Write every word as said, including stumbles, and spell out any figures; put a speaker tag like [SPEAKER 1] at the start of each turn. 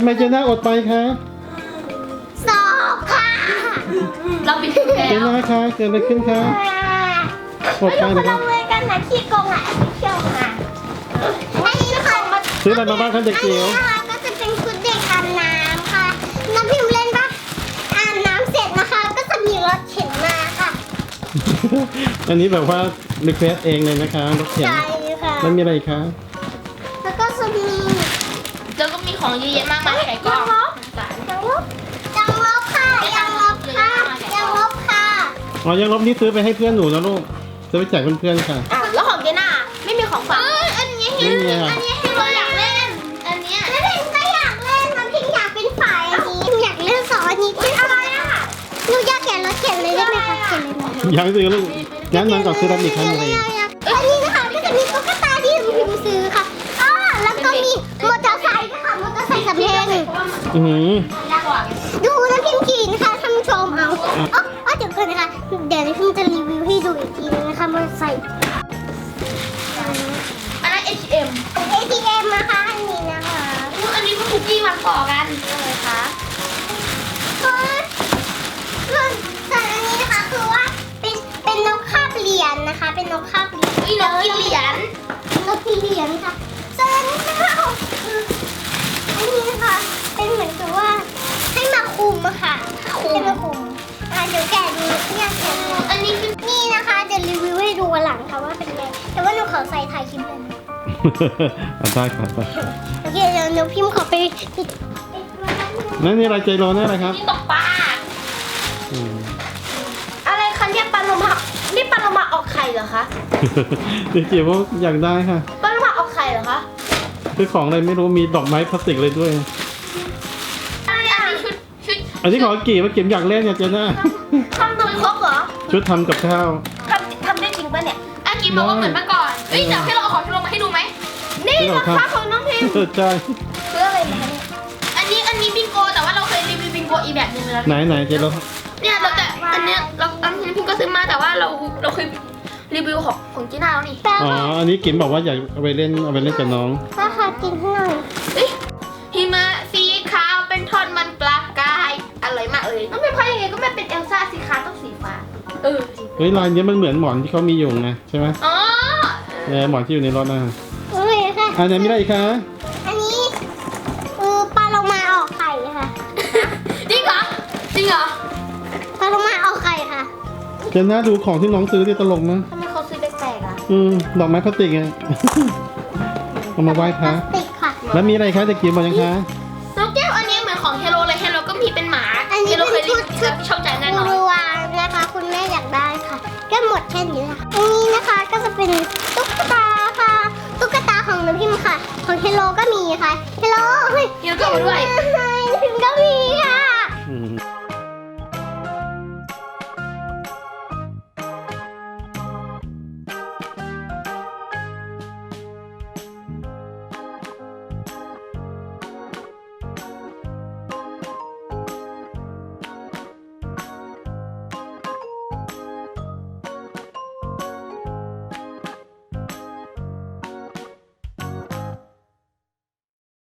[SPEAKER 1] มเจน่าอดไปคะ
[SPEAKER 2] สอบค่ะ
[SPEAKER 3] เราปิดแล้ว
[SPEAKER 1] เจน่าคะเกิดอะไรขึ้นคะอดไป
[SPEAKER 2] ไม่
[SPEAKER 1] นะ
[SPEAKER 2] รู้
[SPEAKER 1] คะ
[SPEAKER 2] คนละเวรกันนะขี้โกงอ่ะไม่เที่ยวอ่ะอันนี้นะคะ
[SPEAKER 1] ซื้ออะไรมาบ้างคะเด็ก
[SPEAKER 2] อัน
[SPEAKER 1] จิ๋
[SPEAKER 2] นี้
[SPEAKER 1] ว
[SPEAKER 2] นะคะก็จะเป็นชุดเด็กอาบน้ำค่ะน้ำพิมพ์เล่นปะอาบน้ำเสร็จนะคะ ก็จะมีรถเข็นมาค่ะ
[SPEAKER 1] อันนี้แบบว่ารีเควสเองเลยนะคะรถเข็น
[SPEAKER 2] ใช่ค่ะ
[SPEAKER 1] แล้วมีอะไรอีกคะ
[SPEAKER 2] แล้วก็จะมี
[SPEAKER 3] แล้วก็มีของเยอะแยะมากมายไข่กล้อง
[SPEAKER 2] ยังลบยังลบค่ะยังลบค่ะยังลบค่ะ
[SPEAKER 1] อ๋อยังลบนี่ซื้อไปให้เพื่อนหนูนะลูกซื้อไปแจกเพื่อนๆค่ะ
[SPEAKER 3] อ้าวแล้วของเจน่าไม่มีของฝากอันนี้
[SPEAKER 1] นี่ไง
[SPEAKER 3] อันนี้ให้เราอยากเล่น อันเนี้ย
[SPEAKER 2] แล้วพิมก็อยากเล่นน้ำพิมอยากเป็นฝ่ายอันนี้พิมอยากเล่นสองอันนี้เป็นอะไรอ่ะหนูอยากเขียนรถเขียนเลยได้ไหมคะเขียนเลยไหม
[SPEAKER 1] ยังซื้อลูกงั้นมันก่อนซื้อรับอีกครั้งหนึ่งเลย
[SPEAKER 2] อันนี้นะคะก็จะมีตุ๊กตาที่พิมซื้อค่ะอ๋อแล้วก็มีมอเตอร์ไซค์ค่ะมอเตอร์ไซค์สำเพ็ง
[SPEAKER 1] อือหือ
[SPEAKER 3] ยากกว่า
[SPEAKER 2] ดูนะพิมขี่นะคะท่านผู้ชมเอาอ๋ออ๋อเดี๋ยวก่อนนะคะเดี๋ยวพิมจะรีวิวให้ดูอีกทีนึงนะคะมอเตอร์ไซค์
[SPEAKER 3] อันนั้น เอช เอ็ม
[SPEAKER 2] เอทีเอ็มนะคะอันนี้นะคะ
[SPEAKER 3] อันนี้ก็คุกกี้มันต่อกันเลยค่ะ
[SPEAKER 2] ส่วนส่วนส่วนอันนี้นะคะคือว่าเป็นเป็นนกคาบเหรียญนะคะ เป็นนกคาบเหรียญ
[SPEAKER 3] อุ้ยนกกินเหรียญ
[SPEAKER 2] นกเหรียญค่ะส่วนอันนี้นะคะคืออันนี้นะคะเป็นเหมือนกับว่าให้มาคุมอะค่ะให้มาคุมอ่ะเดี๋ยวแกะดูเนี่ยแกะดู
[SPEAKER 3] อันนี้คือ
[SPEAKER 2] นี่นะคะเดี๋ยวรีวิวให้ดูวันหลังค่ะว่าเป็นไงแต่ว่าหนูขอใส่ถ่ายคลิปเลยนะ
[SPEAKER 1] เอาได้ครับไป
[SPEAKER 2] โอเคเดี๋ยวหนูพิมพ์ขอไปปิดปิดตัวแป๊บนึง
[SPEAKER 1] นั่นนี่อะไรใจร้อนนี่อะไรครับ
[SPEAKER 3] นี่ตกปลา
[SPEAKER 1] อืม
[SPEAKER 3] อะไรคะเนี่ยปลาโลมานี่ปลาโลมาออกไข่เหรอคะ
[SPEAKER 1] เด็กจิ๋วอยากได้ค่ะ
[SPEAKER 3] ปลาโลมาออกไข่เหรอคะ
[SPEAKER 1] คือของอะไรไม่รู้มีดอกไม้พลาสติกเลยด้วย
[SPEAKER 3] อันนี้ชุดชุด
[SPEAKER 1] อันนี้ของกี่มาเก็บอยากเล่นเนี่ยเจน่า
[SPEAKER 3] ทำตัวครบเหรอ
[SPEAKER 1] ชุดทำกับข้าว
[SPEAKER 3] ทำทำได้จริงป่ะเนี่ยอากิบอกว่าเหมือนเมื่อก่อนเฮ้ยเดี๋ยวให้เราเอาของที่ลงมาให้ดูไหมนี่
[SPEAKER 1] ไม่หรอก
[SPEAKER 3] รา
[SPEAKER 1] ครับ
[SPEAKER 3] คาของน้องพิมพ์
[SPEAKER 1] เออใช่
[SPEAKER 3] คืออะไรนะคะเนี่ยอันนี้อันนี้บิงโกแต่ว่าเราเคยรีวิวบิงโกอีกแบบหนึงแล้ว
[SPEAKER 1] ไหนไหนเจร้อน
[SPEAKER 3] เนี่ยเราแต่อันเนี้ยเราอันนี้พิมก็ซื้อมาแต่ว่าเราเราเคยรีวิวของของจีน่าแล้วนี่
[SPEAKER 2] แป๊บ
[SPEAKER 1] อ๋อ อันนี้กิมบอกว่าอยากเอาไปเล่นเอาไปเล่นกับน้อง
[SPEAKER 2] ค่ะค่ะกินให้หน่อย
[SPEAKER 3] เฮ้ยหิมะสีขาวเป็นทอนมันปลากายอร่อยมากเลยน้องพิมพ์พอยังไงก็ไม่เป็นเอลซ่าสีขาวต้องสีฟ้าเออจริง
[SPEAKER 1] เฮ้ยลายนี้มันเหมือนหมอนที่เขามีอยู่ไงใช่ไหม
[SPEAKER 3] อ๋อ
[SPEAKER 1] เออหมอนที่อยู่ในรถนะ
[SPEAKER 2] โอเคค่ะ
[SPEAKER 1] อันไหนไม่ได้อีกคะ
[SPEAKER 2] อันนี้คือปลาโลมาออกไข่ค่ะ
[SPEAKER 3] จริงเหรอจริงเหรอ
[SPEAKER 2] ปลาโลมาออกไข่ค่ะ
[SPEAKER 1] เจน่าดูของที่น้องซื้อที่ตลกมั้ย
[SPEAKER 3] ทำไมเขาซื้อแปลกๆอ่ะ
[SPEAKER 1] อืมดอกไม้พลาสติกไง เอามาไหว้พ
[SPEAKER 2] พลา
[SPEAKER 1] ระ
[SPEAKER 2] สติกค่ะ
[SPEAKER 1] แล้วมีอะไรคะเด็กจิ๋วบอกยังคะ
[SPEAKER 3] น้องแก้วอันนี้เหมือนของเฮโร่เลยเฮโร่ก็มีเป็นหมา
[SPEAKER 2] อันนี้
[SPEAKER 3] เฮโร่เค
[SPEAKER 2] เป็
[SPEAKER 3] ย
[SPEAKER 2] น
[SPEAKER 3] รี
[SPEAKER 2] ชุ
[SPEAKER 3] วิ
[SPEAKER 2] ด
[SPEAKER 3] ว
[SPEAKER 2] ชุด
[SPEAKER 3] ชอบใจแน่นอน
[SPEAKER 2] รัวนะคะ คุณแม่อยากได้ค่ะ ก็หมดแค่นี้แหละค่ะอันนี้นะคะก็จะเป็นตุ๊กตาค่ะ ตุ๊กตาของน้ำพิมพ์ค่ะ ของเฮโลก็มีค่ะเฮโลเฮ้ย
[SPEAKER 3] เฮโร่ก็มาด้วย
[SPEAKER 2] เฮ